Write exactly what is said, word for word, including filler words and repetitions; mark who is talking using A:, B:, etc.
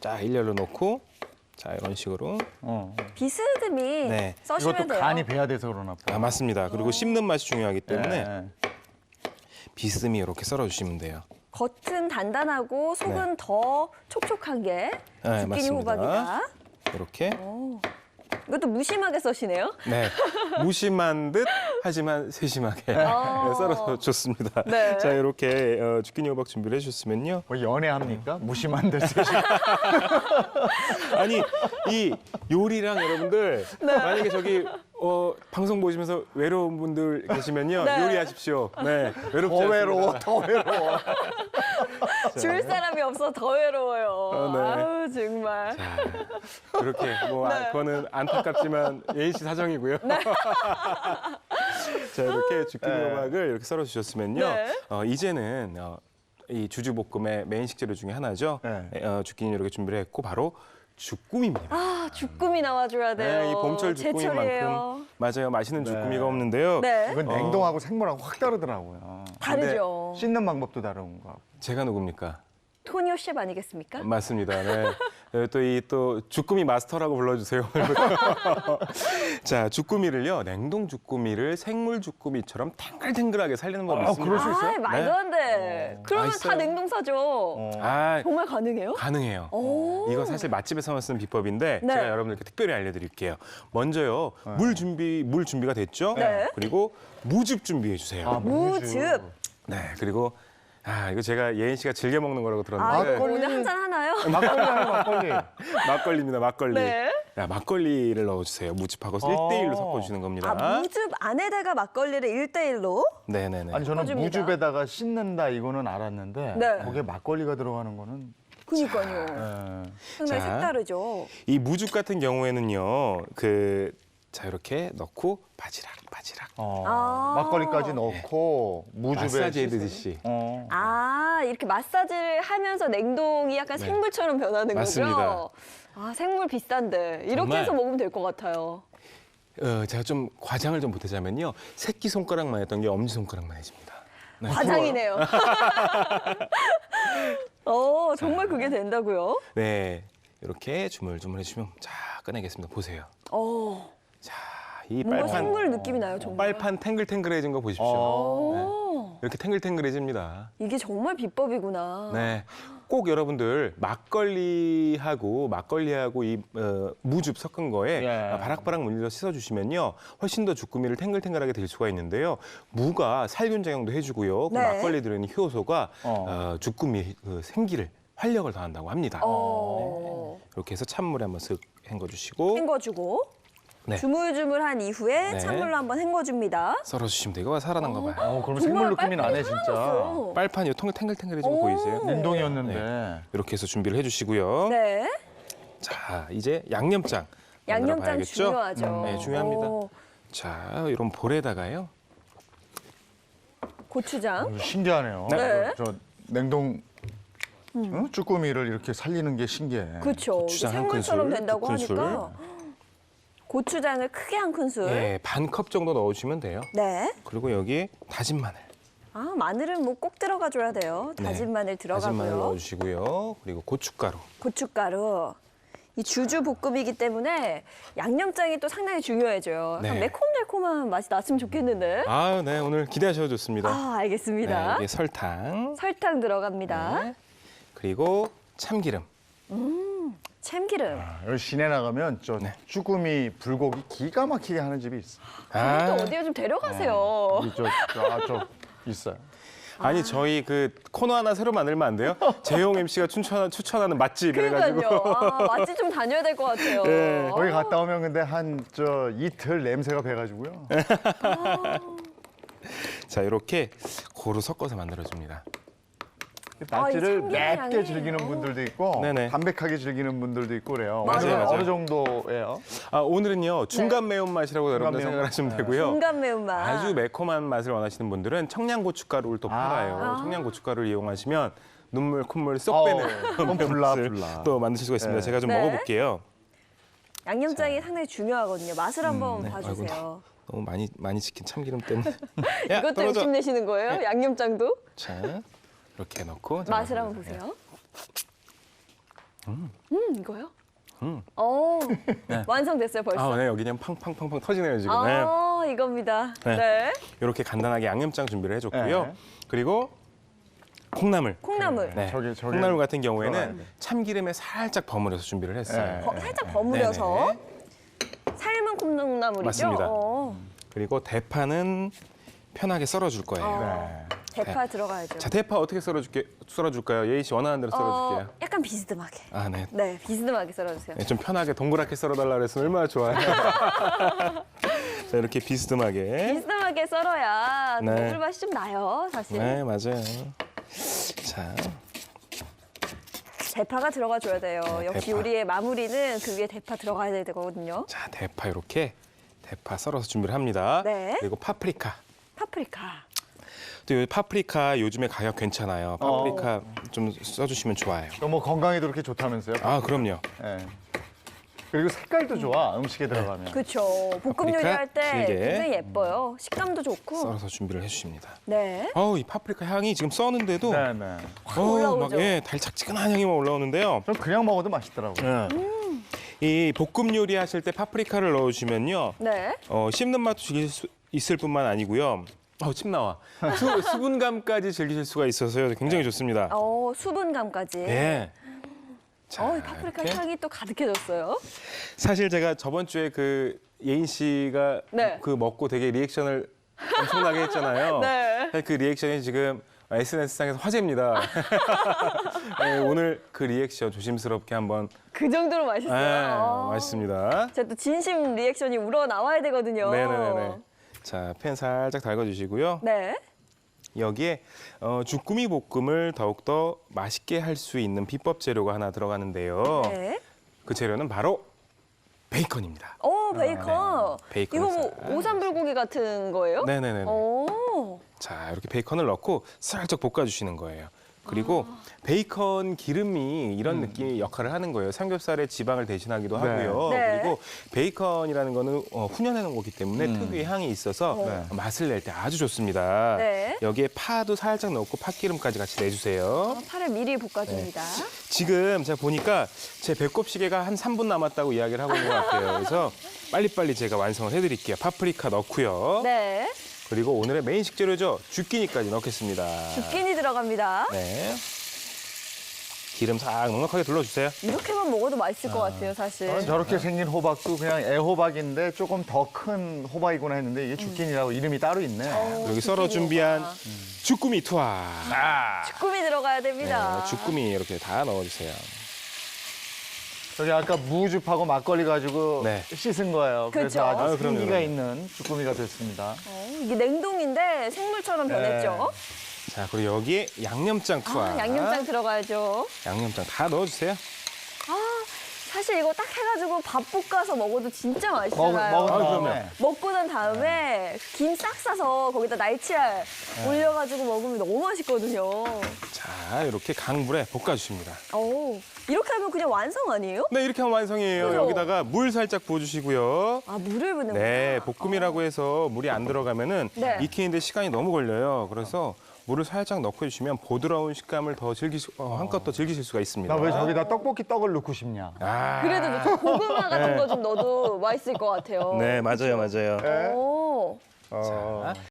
A: 쫙 일렬로 놓고 자 이런 식으로.
B: 어.
C: 비스듬히
A: 네.
C: 써시면
B: 이것도
C: 돼요.
B: 간이 배야 돼서 그러나 봐.
A: 아 맞습니다. 그리고 씹는 맛이 중요하기 때문에
B: 네.
A: 비스듬히 이렇게 썰어주시면 돼요.
C: 겉은 단단하고 속은 더 촉촉한 게
A: 네,
C: 주끼니
A: 맞습니다.
C: 호박이다.
A: 이렇게.
C: 오. 이것도 무심하게 써시네요.
A: 네, 무심한 듯 하지만 세심하게
C: 어.
A: 썰어서 좋습니다.
C: 네.
A: 자 이렇게 어, 주끼니 호박 준비를 해주셨으면요.
B: 뭐 연애합니까? 무심한 듯 세심.
A: 아니 이 요리랑 여러분들
C: 네.
A: 만약에 저기 어, 방송 보시면서 외로운 분들 계시면요
C: 네.
A: 요리하십시오. 네, 외롭지
B: 더 외로워,
A: 않습니다.
B: 더 외로워.
C: 줄 사람이 없어 더 외로워요.
A: 어, 네.
C: 아우 정말.
A: 자, 그렇게 뭐 아,
C: 네.
A: 그거는 안타깝지만 예인 씨 사정이고요. 자 이렇게 주끼니
B: 네.
A: 호박을 이렇게 썰어 주셨으면요.
C: 네.
A: 어, 이제는 어, 이 주주볶음의 메인 식재료 중에 하나죠.
B: 네.
A: 어, 주끼니 이렇게 준비를 했고 바로 주꾸미입니다.
C: 아 주꾸미 나와줘야 돼요.
A: 네, 이 봄철 주꾸미만큼
C: 제철이에요.
A: 맞아요. 맛있는
B: 네.
A: 주꾸미가 없는데요.
C: 네.
B: 이건
A: 어.
B: 냉동하고 생물하고 확 다르더라고요.
C: 다르죠.
B: 씻는 방법도 다른 거.
A: 제가 누굽니까?
C: 토니오 셰프 아니겠습니까?
A: 맞습니다. 네. 또 이 또 주꾸미 마스터라고 불러주세요. 자, 주꾸미를요. 냉동 주꾸미를 생물 주꾸미처럼 탱글탱글하게 살리는 법이
B: 아,
A: 있습니다.
B: 그럴 수 있어요?
C: 아 말도 안 돼. 그러면 다
A: 맛있어요.
C: 냉동사죠.
B: 어.
A: 아,
C: 정말 가능해요?
A: 가능해요.
C: 오.
A: 이거 사실 맛집에서만 쓰는 비법인데
C: 네.
A: 제가 여러분들께 특별히 알려드릴게요. 먼저요. 물 준비 물 준비가 됐죠?
C: 네.
A: 그리고 무즙 준비해 주세요.
B: 아,
C: 무즙.
A: 네. 그리고 아 이거 제가 예인 씨가 즐겨 먹는 거라고
C: 아,
A: 들었는데
C: 이거 오늘 한 잔 하나요?
B: 막걸리 하나 막걸리.
A: 막걸리입니다. 막걸리.
C: 네.
A: 야, 막걸리를 넣어주세요. 무즙하고
B: 어.
A: 일 대일로 섞어주시는 겁니다.
C: 아, 무즙 안에다가 막걸리를 일 대일로?
A: 네네네.
B: 아니 저는
C: 섞어줍니다.
B: 무즙에다가 씻는다 이거는 알았는데
C: 네.
B: 거기에 막걸리가 들어가는 거는
C: 그니까요.
B: 예.
C: 상당히
A: 자.
C: 색다르죠.
A: 이 무즙 같은 경우에는요. 그 자 이렇게 넣고 바지락 바지락
B: 어,
C: 아.
B: 막걸리까지 넣고 무즙에
A: 마사지
B: 씻어서-
A: 해드듯이.
B: 어.
C: 아, 이렇게 마사지를 하면서 냉동이 약간
A: 네.
C: 생물처럼 변하는
A: 맞습니다.
C: 거죠? 아, 생물 비싼데. 이렇게
A: 정말.
C: 해서 먹으면 될 것 같아요.
A: 어, 제가 좀 과장을 좀 보태자면요. 새끼 손가락만 했던 게 엄지 손가락만 해집니다. 네.
C: 과장이네요. 어, 정말 그게 된다고요?
A: 네. 이렇게 주물주물 해주면 자 꺼내겠습니다. 보세요.
C: 어,
A: 자, 이
C: 뭔가
A: 빨판
C: 생물 느낌이 나요, 정말.
A: 빨판 탱글탱글해진 거 보십시오.
B: 어.
A: 네.
C: 오,
A: 이렇게 탱글탱글해집니다.
C: 이게 정말 비법이구나.
A: 네. 꼭 여러분들 막걸리하고 막걸리하고 이 어, 무즙 섞은 거에
B: 예.
A: 바락바락 물려서 씻어주시면요 훨씬 더 주꾸미를 탱글탱글하게 될 수가 있는데요. 무가 살균 작용도 해주고요. 그
C: 네.
A: 막걸리 들어있는 효소가
B: 어.
A: 어, 주꾸미 그 생기를 활력을 더한다고 합니다.
C: 어,
A: 이렇게 해서 찬물에 한번 쓱 헹궈주시고
C: 헹궈주고
A: 네.
C: 주물주물한 이후에
A: 네.
C: 찬물로 한번 헹궈줍니다.
A: 썰어주시면 돼요. 이거 살아난 거 봐요.
B: 어, 그럼
C: 정말
B: 생물 느낌이 나네
C: 빨판이
B: 진짜.
C: 살아났어요.
A: 빨판이 통에 탱글탱글해진 거
C: 오.
A: 보이세요?
B: 냉동이었는데.
A: 이렇게 해서 준비를 해주시고요.
C: 네,
A: 자, 이제 양념장
C: 양념장
A: 만들어봐야겠죠?
C: 중요하죠.
A: 음, 네, 중요합니다.
C: 오,
A: 자, 이런 볼에다가요.
C: 고추장.
B: 어, 신기하네요.
C: 네.
B: 저, 저 냉동 응? 쭈꾸미를 이렇게 살리는 게 신기해.
C: 그렇죠.
A: 고추장 한
C: 생물처럼
A: 큰술,
C: 된다고
A: 두 큰술.
C: 하니까 고추장을 크게 한 큰술.
A: 네, 반 컵 정도 넣어주시면 돼요.
C: 네.
A: 그리고 여기에 다진 마늘.
C: 아, 마늘은 뭐 꼭 들어가 줘야 돼요. 다진
A: 네,
C: 마늘
A: 다진 마늘
C: 들어가고요.
A: 넣어주시고요. 그리고 고춧가루.
C: 고춧가루. 이 주주 볶음이기 때문에 양념장이 또 상당히 중요해져요.
A: 네.
C: 약간 매콤달콤한 맛이 났으면 좋겠는데.
A: 아, 네, 오늘 기대하셔도 좋습니다.
C: 아,
A: 네,
C: 알겠습니다.
A: 이게 설탕.
C: 설탕 들어갑니다.
A: 네. 그리고 참기름.
C: 참기름.
B: 아, 여기 시내 나가면 저
A: 네.
B: 쭈꾸미 불고기 기가 막히게 하는 집이 있어.
A: 아,
C: 또 어디에 좀 데려가세요.
B: 여기 저, 저, 아, 저 있어요.
A: 아니 저희 그 코너 하나 새로 만들면 안 돼요? 재용 엠씨가 추천, 추천하는 맛집 이래가지고.
C: 그러니까요. 아, 맛집 좀 다녀야 될 것 같아요.
A: 네.
B: 거기 갔다 오면 근데 한 저 이틀 냄새가 배가지고요.
A: 자, 이렇게 고루 섞어서 만들어줍니다.
B: 낙지를
C: 참기름
B: 맵게
C: 향이.
B: 즐기는 분들도 있고
A: 네네.
B: 담백하게 즐기는 분들도 있고 그래요.
C: 맞아요,
B: 오늘은
A: 맞아요.
B: 어느 정도예요?
A: 아, 오늘은요 중간 매운맛이라고 여러분들
B: 매운맛.
A: 생각하시면
B: 네.
A: 되고요.
C: 중간 매운맛.
A: 아주 매콤한 맛을 원하시는 분들은 청양고춧가루를 또
B: 아.
A: 팔아요.
C: 아.
A: 청양고춧가루를 이용하시면 눈물 콧물 쏙
B: 어우,
A: 빼는
B: 그건
A: 매운맛을
B: 불라, 불라.
A: 또 만드실 수가 있습니다.
B: 네.
A: 제가 좀
C: 네.
A: 먹어볼게요.
C: 양념장이 상당히 중요하거든요. 맛을 한번
A: 네.
C: 봐주세요.
A: 너무 많이 많이 치킨 참기름 때문에. 야,
C: 이것도
A: 떨어져.
C: 욕심내시는 거예요? 양념장도?
A: 자, 이렇게 넣고 자,
C: 맛을 한번 보세요. 음, 이거요?
A: 음.
C: 어,
A: 네.
C: 완성됐어요 벌써.
A: 아, 네, 여기 그냥 팡팡팡팡 터지네요 지금. 네.
C: 아, 이겁니다.
A: 네.
C: 네.
A: 이렇게 간단하게 양념장 준비를 해줬고요.
B: 네.
A: 그리고 콩나물.
C: 콩나물.
A: 네.
B: 저기, 저기
A: 콩나물 같은
B: 들어가야
A: 경우에는
B: 돼.
A: 참기름에 살짝 버무려서 준비를 했어요.
B: 네.
C: 버- 살짝 버무려서
A: 네네네.
C: 삶은 콩나물이죠?
A: 맞습니다.
C: 어,
A: 그리고 대파는 편하게 썰어줄 거예요.
C: 어.
B: 네.
C: 대파 들어가야죠.
A: 자, 대파 어떻게 썰어줄게 썰어줄까요? 예희 씨 원하는 대로 썰어줄게요.
C: 어, 약간 비스듬하게.
A: 아, 네.
C: 네, 비스듬하게 썰어주세요.
A: 네, 좀 편하게 동그랗게 썰어달라 그랬으면 얼마나 좋아요. 자, 이렇게 비스듬하게.
C: 비스듬하게 썰어야
A: 네.
C: 먹을 맛이 좀 나요, 사실.
A: 네, 맞아요. 자,
C: 대파가 들어가 줘야 돼요.
A: 네,
C: 역시
A: 대파.
C: 요리의 마무리는 그 위에 대파 들어가야 되거든요.
A: 자, 대파 이렇게 대파 썰어서 준비를 합니다.
C: 네.
A: 그리고 파프리카.
C: 파프리카.
A: 또 요 파프리카 요즘에 가격 괜찮아요. 파프리카 좀 써주시면 좋아요.
B: 너무 건강에도 그렇게 좋다면서요?
A: 아, 그럼요.
B: 예. 그리고 색깔도 좋아, 음식에 들어가면.
C: 그렇죠. 볶음
A: 파프리카
C: 요리할 때
A: 길게.
C: 굉장히 예뻐요. 식감도 좋고.
A: 썰어서 준비를 해주십니다.
C: 네.
A: 어우, 이 파프리카 향이 지금 써는데도
B: 네, 네.
A: 어우,
C: 올라오죠.
A: 막 예, 달짝지근한 향이 막 올라오는데요.
B: 전 그냥 먹어도 맛있더라고요.
A: 이 볶음 요리 하실 때 파프리카를 넣어주시면요,
C: 네.
A: 어, 씹는 맛도 즐길 수 있을 뿐만 아니고요. 어, 침 나와. 수, 수분감까지 즐기실 수가 있어서요. 굉장히 좋습니다.
C: 어, 수분감까지.
A: 예. 자,
C: 어, 이 파프리카
A: 이렇게.
C: 향이 또 가득해졌어요.
A: 사실 제가 저번 주에 그 예인 씨가
C: 네.
A: 그 먹고 되게 리액션을 엄청나게 했잖아요.
C: 네.
A: 사실 그 리액션이 지금 에스엔에스상에서 화제입니다. 네, 오늘 그 리액션 조심스럽게 한번
C: 그 정도로 맛있어요.
A: 네,
C: 어.
A: 맛있습니다.
C: 제가 또 진심 리액션이 우러 나와야 되거든요.
A: 네네네. 자, 팬 살짝 달궈주시고요.
C: 네.
A: 여기에 어, 주꾸미 볶음을 더욱더 맛있게 할 수 있는 비법 재료가 하나 들어가는데요.
C: 네.
A: 그 재료는 바로 베이컨입니다.
C: 오, 베이컨.
A: 베이컨
C: 이거 뭐
A: 살.
C: 오삼불고기 같은 거예요?
A: 네네네.
C: 오.
A: 자, 이렇게 베이컨을 넣고 살짝 볶아주시는 거예요. 그리고
C: 아.
A: 베이컨 기름이 이런 느낌의 역할을 하는 거예요. 삼겹살의 지방을 대신하기도
B: 네.
A: 하고요.
C: 네.
A: 그리고 베이컨이라는 거는 어, 훈연해 놓은 거기 때문에
B: 음.
A: 특유의 향이 있어서
B: 네.
A: 맛을 낼 때 아주 좋습니다.
C: 네.
A: 여기에 파도 살짝 넣고 팥기름까지 같이 내주세요.
C: 어, 파를 미리 볶아줍니다.
A: 지금 제가 보니까 제 배꼽 시계가 한 삼 분 남았다고 이야기를 하고 있는 것 같아요. 그래서 빨리빨리 제가 완성을 해드릴게요. 파프리카 넣고요.
C: 네.
A: 그리고 오늘의 메인 식재료죠. 주끼니까지 넣겠습니다.
C: 주끼니 들어갑니다.
A: 네. 기름 싹 넉넉하게 둘러주세요.
C: 이렇게만 먹어도 맛있을 것 같아요, 사실.
B: 저는 저렇게 생긴 호박도 그냥 애호박인데 조금 더 큰 호박이구나 했는데 이게 주끼니라고 이름이 따로 있네.
C: 어,
A: 여기 썰어
C: 주끼니
A: 준비한
C: 먹어봐.
A: 주꾸미 투하.
B: 아,
C: 주꾸미 들어가야 됩니다.
A: 네, 주꾸미 이렇게 다 넣어주세요.
B: 저기 아까 무즙하고 막걸리 가지고
A: 네.
B: 씻은 거예요.
C: 그쵸?
B: 그래서 아주
A: 아유, 그럼요,
B: 생기가
A: 그럼요.
B: 있는 주꾸미가 됐습니다.
C: 어, 이게 냉동인데 생물처럼 변했죠.
A: 자, 그리고 여기에 양념장 투하.
C: 아, 양념장 들어가야죠.
A: 양념장 다 넣어주세요.
C: 아, 사실 이거 딱 해가지고 밥 볶아서 먹어도 진짜
B: 먹,
C: 맛있잖아요.
B: 먹은
A: 아,
B: 다음에
A: 그럼요.
C: 먹고 난 다음에 김 싹 싸서 거기다 날치알 올려가지고 먹으면 너무 맛있거든요.
A: 자, 이렇게 강불에 볶아주십니다.
C: 오, 이렇게 하면 그냥 완성 아니에요?
A: 네, 이렇게 하면 완성이에요.
C: 그죠?
A: 여기다가 물 살짝 부어주시고요.
C: 아, 물을 붓는구나.
A: 네, 볶음이라고 해서 물이 안 들어가면은
C: 네.
A: 익히는데 시간이 너무 걸려요. 그래서 물을 살짝 넣고 해주시면 부드러운 식감을 더 즐기시, 어, 한껏 더 즐기실 수가 있습니다.
B: 나 왜 저기다 떡볶이 떡을 넣고 싶냐?
A: 아,
C: 그래도 좀 고구마 같은 거 좀 넣어도 맛있을 것 같아요.
A: 네, 맞아요, 맞아요.
B: 네.
C: 오.
B: 어.
A: 자,